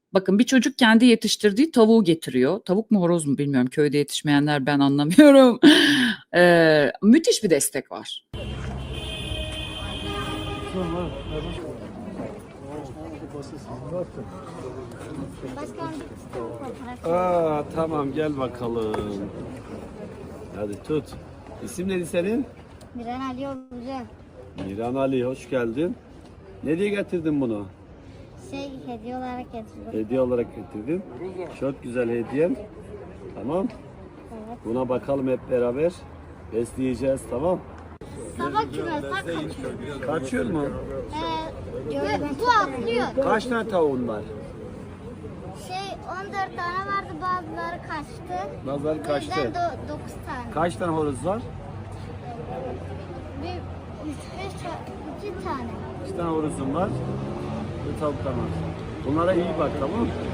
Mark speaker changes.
Speaker 1: Bakın bir çocuk kendi yetiştirdiği tavuğu getiriyor. Tavuk mu horoz mu bilmiyorum. Köyde yetişmeyenler ben anlamıyorum. Müthiş bir destek var.
Speaker 2: Tamam gel bakalım. Hadi tut. İsim neydi senin?
Speaker 3: Miran Ali Hoca.
Speaker 2: Miran Ali, hoş geldin. Ne diye getirdin bunu?
Speaker 3: Hediye olarak getirdim.
Speaker 2: Hediye olarak getirdin. Çok güzel hediyen. Tamam.
Speaker 3: Evet.
Speaker 2: Buna bakalım hep beraber. Besleyeceğiz, tamam.
Speaker 3: Sabah kümesten kaçıyor.
Speaker 2: Kaçıyor mu?
Speaker 3: Bu atlıyor.
Speaker 2: Kaç tane tavuğun var?
Speaker 3: 14 tane vardı, bazıları kaçtı.
Speaker 2: Bazıları kaçtı.
Speaker 3: 9 tane.
Speaker 2: Kaç tane horoz var?
Speaker 3: Bir 2 tane.
Speaker 2: 2 tane horozun var. Bir tavuklar var. Bunlara iyi bak, tamam mı?